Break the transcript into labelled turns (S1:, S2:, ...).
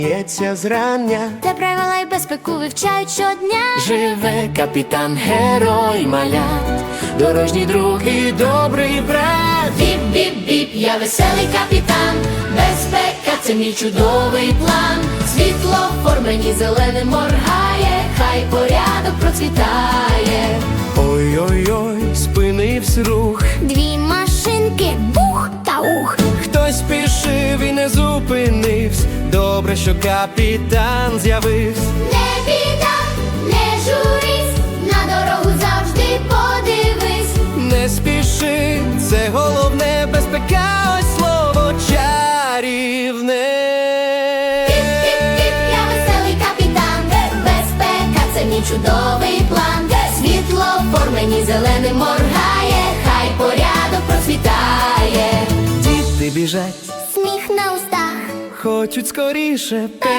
S1: Сміється зрання,
S2: де правила й безпеку вивчають щодня.
S1: живе капітан, герой малят, дорожній друг і добрий брат.
S2: Біп-біп-біп, я веселий капітан, безпека – це мій чудовий план. Світлофор мені зеленим моргає, хай порядок процвітає.
S1: Ой-ой-ой, спинився рух,
S2: Дві машинки, бух та ух.
S1: хтось спішив і не зупинився. Добре, що капітан з'явився.
S2: Не біда, не журись, на дорогу завжди подивись.
S1: Не спіши, це головне, безпека, ось слово чарівне.
S2: Піп-піп-піп, я веселий капітан, безпека – це мій чудовий план. Світлофор мені зеленим моргає, хай порядок процвітає.
S1: Діти біжать,
S2: Сміх на устах,
S1: хочуть скоріше.